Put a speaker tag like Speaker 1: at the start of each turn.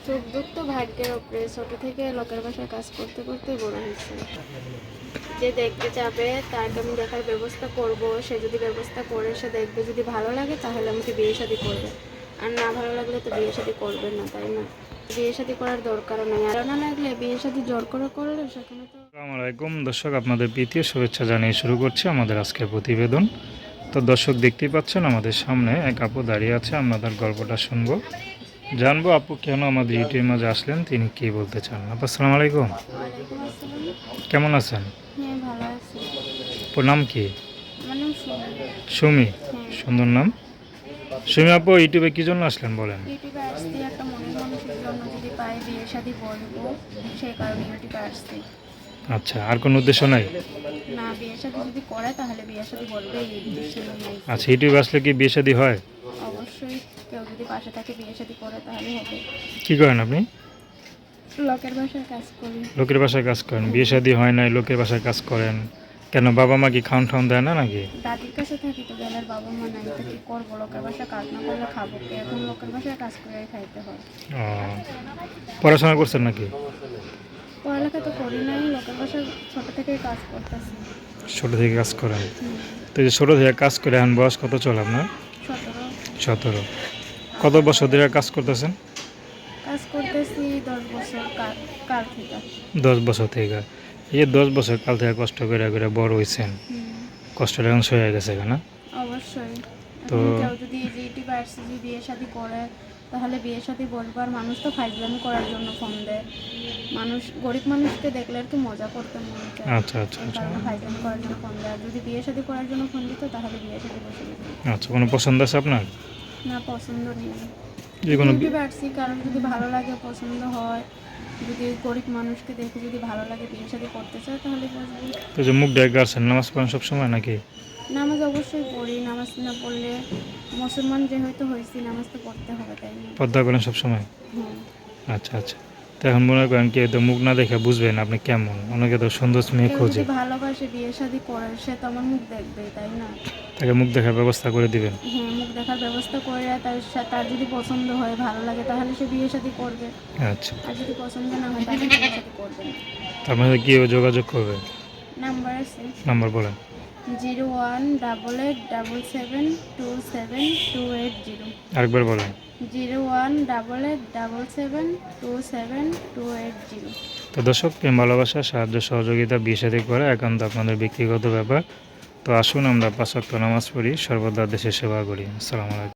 Speaker 1: চোখ দুঃখ তো ভাগ্যের ওপরে। ছোট থেকে লোকের বাসায় কাজ করতে করতে বড় হয়েছে। যে দেখতে যাবে তাকে আমি দেখার ব্যবস্থা করব। সে যদি ব্যবস্থা করে সে দেখবে, যদি ভালো লাগে তাহলে আমাকে বিয়ে শাদী করবে, আর না ভালো লাগলে তো বিয়ে শাদী করবে না, তাই না? বিয়ে শাদী করার দরকারও নেই। আর না লাগলে বিয়ে শাদী জোর করে করলে সেখানে তো।
Speaker 2: আসসালামু আলাইকুম দর্শক, আপনাদের প্রীতীয় শুভেচ্ছা জানিয়ে শুরু করছি আমাদের আজকের প্রতিবেদন। তো দর্শক দেখতেই পাচ্ছেন আমাদের সামনে এক আপু দাঁড়িয়ে আছে। আমরা তার গল্পটা শুনবো, জানবো আপু কেন আমাদের ইউটিউবের মাঝে আসলেন, তিনি কি বলতে চান। আপু আসসালামু আলাইকুম,
Speaker 1: ওয়ালাইকুম আসসালাম।
Speaker 2: কেমন আছেন?
Speaker 1: হ্যাঁ, ভালো আছি।
Speaker 2: আপুর নাম কি?
Speaker 1: আমার নাম সুমি।
Speaker 2: সুমি,
Speaker 1: হ্যাঁ।
Speaker 2: সুন্দর নাম। সুমি আপু ইউটিউবে কি জন্য আসলেন বলেন?
Speaker 1: ইউটিউবে আসছি একটা মনের মানুষের জন্য, যদি পাই বিয়ে শাদী বলবো, সেই কারণে ইউটিউবে আসছি।
Speaker 2: আচ্ছা, আর কোনো উদ্দেশ্য নাই?
Speaker 1: না, বিয়ে শাদী যদি করে তাহলে বিয়ে শাদী বলবে, এই উদ্দেশ্য নেই।
Speaker 2: আচ্ছা, ইউটিউবে আসলে কি বিয়ে শাদী হয়?
Speaker 1: অবশ্যই, কেউ যদি পাশে থাকে বিয়ে শাদী করে তাহলে হবে।
Speaker 2: কি করেন আপনি?
Speaker 1: লোকের বাসায় কাজ করি।
Speaker 2: লোকের বাসায় কাজ করেন, বিয়ে শাদী হয় নাই, লোকের বাসায় কাজ করেন কেন? বাবা মা কি খাওয়ান ঠাউন দেয় না নাকি?
Speaker 1: দাদির কাছে থাকি তো, গেলের বাবা মা নাই তো কি করবো? লোকের বাসায় কাজ না করলে খাবো কি? এখন লোকের বাসায় কাজ করে খাইতে হয়।
Speaker 2: ও, পড়াশোনা করছেন নাকি?
Speaker 1: পড়ালেখা তো করি নাই, লোকের বাসায় ছোট থেকেই কাজ করতেছি।
Speaker 2: ছোটো থেকে কাজ করেন? তো এই যে ছোটো থেকে কাজ করে এখন বয়স কত চলে আপনার?
Speaker 1: 17।
Speaker 2: 17। কত বছর ধরে কাজ করতেছেন?
Speaker 1: কাজ করতেছি 10 বছর কাল থেকে।
Speaker 2: 10 বছর থেকে। এই যে 10 বছর কাল থেকে কষ্ট করে করে বড় হয়েছেন, কষ্টটা এখন সয়ে গেছে না?
Speaker 1: অবশ্যই।
Speaker 2: তো
Speaker 1: এখন কেউ যদি এই যে ইউটিউবে আসছে যদি বিয়ে শাদী করে তাহলে বিয়ে শাদী বলবো। আর মানুষ তো ফাইজলামি করার জন্য ফোন দেয়। মানুষ গরিব মানুষকে দেখলে একটু মজা করতে মনে চায়।
Speaker 2: আচ্ছা আচ্ছা
Speaker 1: এই
Speaker 2: আচ্ছা
Speaker 1: কারণে ফাইজলামি করার জন্য ফোন দেয়। আর যদি বিয়ে শাদী করার জন্য ফোন দিত তাহলে বিয়ে শাদী বসে দিত।
Speaker 2: আচ্ছা, কোনো পছন্দ আছে আপনার?
Speaker 1: না, পছন্দ নেই।
Speaker 2: যে কোনো
Speaker 1: ইউটিউবে আসছি কারণ যদি ভালো লাগে, পছন্দ হয়, যদি গরিব মানুষকে দেখে যদি ভালো লাগে, বিয়ে শাদী করতে চায় তাহলে বসবো।
Speaker 2: তো যে মুখ ডেকে আসছেন, নামাজ পড়েন সবসময় নাকি?
Speaker 1: নামাজ অবশ্যই পড়ি। নামাজ না পড়লে, মুসলমান যেহেতু হয়েছি, নামাজ তো পড়তে হবে, তাই না?
Speaker 2: পর্দা করেন সবসময়?
Speaker 1: হ্যাঁ।
Speaker 2: আচ্ছা আচ্ছা। তো এখন মনে করেন কি, তো মুখ না দেখে বুঝবেন আপনি কেমন? অনেকে তো সুন্দর মেয়ে
Speaker 1: কেউ
Speaker 2: খোঁজে,
Speaker 1: যদি ভালোবাসে বিয়ে শাদী করে সে তো আমার মুখ দেখবে, তাই না?
Speaker 2: তাকে মুখ দেখার ব্যবস্থা করে দিবেন।
Speaker 1: হ্যাঁ, মুখ দেখার ব্যবস্থা করে তার যদি পছন্দ হয়, ভালো লাগে তাহলে সে বিয়ে শাদী করবে।
Speaker 2: আচ্ছা,
Speaker 1: আর যদি পছন্দ না হয় তাহলে বিয়ে শাদী করবে না।
Speaker 2: তার মধ্যে কীভাবে যোগাযোগ করবে?
Speaker 1: নাম্বার আছে
Speaker 2: নাম্বার বলেন।
Speaker 1: 018877272280।
Speaker 2: আরেকবার বলেন।
Speaker 1: 018877272280।
Speaker 2: তো দর্শক, প্রেম ভালোবাসা সাহায্য সহযোগিতা বিয়ে শাদী করা একান্ত আপনাদের ব্যক্তিগত ব্যাপার। তো আসুন আমরা 5 ওয়াক্ত নামাজ পড়ি, সর্বদা দেশের সেবা করি। আসসালামু আলাইকুম।